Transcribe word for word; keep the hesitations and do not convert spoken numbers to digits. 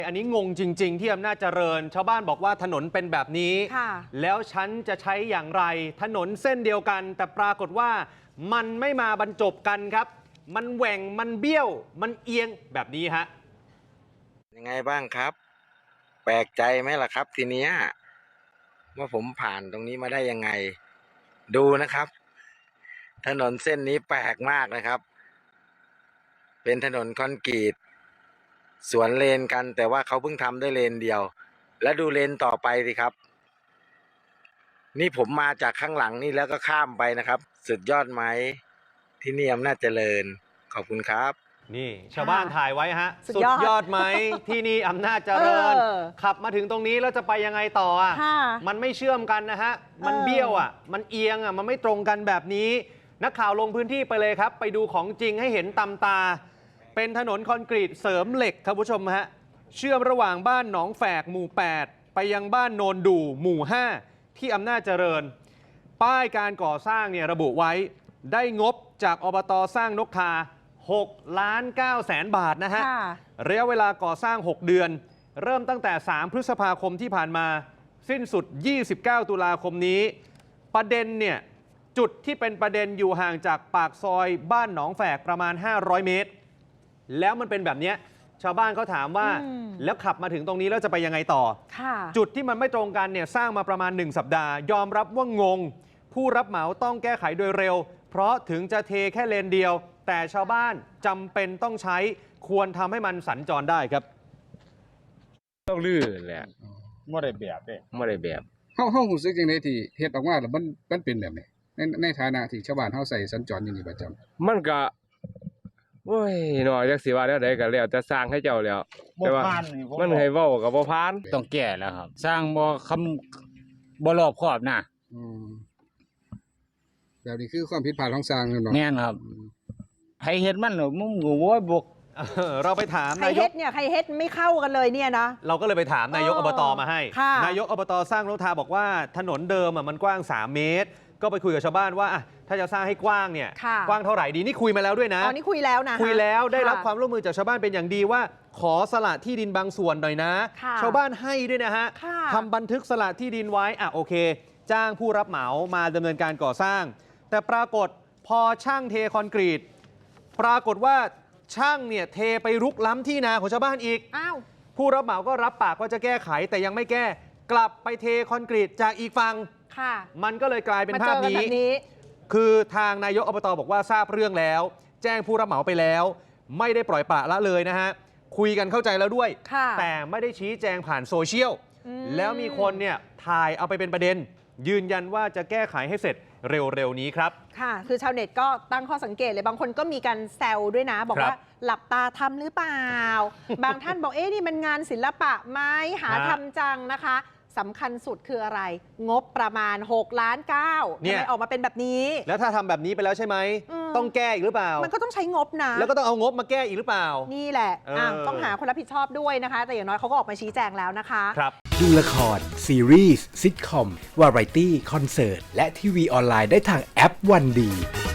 อันนี้งงจริงๆที่อำนาจเจริญชาวบ้านบอกว่าถนนเป็นแบบนี้แล้วฉันจะใช้อย่างไรถนนเส้นเดียวกันแต่ปรากฏว่ามันไม่มาบรรจบกันครับมันแหว่งมันเบี้ยวมันเอียงแบบนี้ฮะยังไงบ้างครับแปลกใจไหมล่ะครับทีเนี้ยว่าผมผ่านตรงนี้มาได้ยังไงดูนะครับถนนเส้นนี้แปลกมากนะครับเป็นถนนคอนกรีตสวนเลนกันแต่ว่าเขาเพิ่งทำได้เลนเดียวแล้วดูเลนต่อไปสิครับนี่ผมมาจากข้างหลังนี่แล้วก็ข้ามไปนะครับสุดยอดไหมที่นี่อำนาจเจริญขอบคุณครับนี่ชาวบ้านถ่ายไว้ฮะสุดยอดไหมที่นี่อำนาจเจริญขับมาถึงตรงนี้แล้วจะไปยังไงต่ออ่ะมันไม่เชื่อมกันนะฮะมันเบี้ยวอ่ะมันเอียงอ่ะมันไม่ตรงกันแบบนี้นักข่าวลงพื้นที่ไปเลยครับไปดูของจริงให้เห็นตำตาเป็นถนนคอนกรีตเสริมเหล็กครับผู้ชมฮะเชื่อมระหว่างบ้านหนองแฝกหมู่แปดไปยังบ้านโนนดูหมู่ห้าที่อำนาจเจริญป้ายการก่อสร้างเนี่ยระบุไว้ได้งบจากอบต.สร้างนกทาหกล้านเก้าแสนบาทนะฮะระยะเวลาก่อสร้างหกเดือนเริ่มตั้งแต่สามพฤษภาคมที่ผ่านมาสิ้นสุดยี่สิบเก้าตุลาคมนี้ประเด็นเนี่ยจุดที่เป็นประเด็นอยู่ห่างจากปากซอยบ้านหนองแฝกประมาณห้าร้อยเมตรแล้วมันเป็นแบบนี้ชาวบ้านเขาถามว่าแล้วขับมาถึงตรงนี้แล้วจะไปยังไงต่อจุดที่มันไม่ตรงกันเนี่ยสร้างมาประมาณหนึ่งสัปดาห์ยอมรับว่างงผู้รับเหมาต้องแก้ไขโดยเร็วเพราะถึงจะเทแค่เลนเดียวแต่ชาวบ้านจำเป็นต้องใช้ควรทำให้มันสัญจรได้ครับต้องลื่นแหละไม่ได้แบบเด้ไม่ได้แบบเฮาเฮารู้สึกจังได๋ที่เฮ็ดออกมาแล้วมันมันเป็นแบบนี้ในในฐานะที่ชาวบ้านเฮาใช้สัญจรอยู่นี่ประจำมันก็โอ้ยหน่อยจักสิว่าแล้วใดก็แล้วแต่สร้างให้เจ้าแล้วแต่ว่ามันให้เว้าก็บ่ผ่านต้องแก้แล้วครับสร้างบ่คำบ่รอบคอบนะอืมแบบนี้คือความผิดพลาดของสร้างเนาะแม่นครับใครเฮ็ดมันมึงก็โว้ยบกเราไปถามนายกใครเฮ็ดเนี่ยใครเฮ็ดไม่เข้ากันเลยเนี่ยนะเราก็เลยไปถามนายกอบตมาให้นายกอบตสร้างนกทาบอกว่าถนนเดิมมันกว้างสามเมตรก็ไปคุยกับชาวบ้านว่าถ้าจะสร้างให้กว้างเนี่ยกว้างเท่าไหร่ดีนี่คุยมาแล้วด้วยนะอ๋อนี่คุยแล้วนะคุยแล้วได้รับความร่วมมือจากชาวบ้านเป็นอย่างดีว่าขอสละที่ดินบางส่วนหน่อยนะชาวบ้านให้ด้วยนะฮะทำบันทึกสละที่ดินไว้อ่ะโอเคจ้างผู้รับเหมามาดำเนินการก่อสร้างแต่ปรากฏพอช่างเทคอนกรีตปรากฏว่าช่างเนี่ยเทไปรุกล้ำที่นาของชาวบ้านอีกอ้าวผู้รับเหมาก็รับปากว่าจะแก้ไขแต่ยังไม่แก้กลับไปเทคอนกรีตจากอีกฝั่งค่ะมันก็เลยกลายเป็นภาพนี้คือทางนายกอบตบอกว่าทราบเรื่องแล้วแจ้งผู้รับเหมาไปแล้วไม่ได้ปล่อยปละละเลยนะฮะคุยกันเข้าใจแล้วด้วยแต่ไม่ได้ชี้แจงผ่านโซเชียลแล้วมีคนเนี่ยถ่ายเอาไปเป็นประเด็นยืนยันว่าจะแก้ไขให้เสร็จเร็วๆนี้ครับค่ะคือชาวเน็ตก็ตั้งข้อสังเกตเลยบางคนก็มีการแซวด้วยนะบอกว่าหลับตาทำหรือเปล่าบางท่านบอกเอ๊ะนี่มันงานศิลปะไหมหาทำจังนะคะสำคัญสุดคืออะไรงบประมาณหกล้านเก้าทำไมออกมาเป็นแบบนี้แล้วถ้าทำแบบนี้ไปแล้วใช่ไหมต้องแก้อีกหรือเปล่ามันก็ต้องใช้งบนะแล้วก็ต้องเอางบมาแก้อีกหรือเปล่านี่แหละต้องหาคนรับผิดชอบด้วยนะคะแต่อย่างน้อยเขาก็ออกมาชี้แจงแล้วนะคะครับดูละครซีรีส์ซิทคอมวาไรตี้คอนเสิร์ตและทีวีออนไลน์ได้ทางแอปวันดี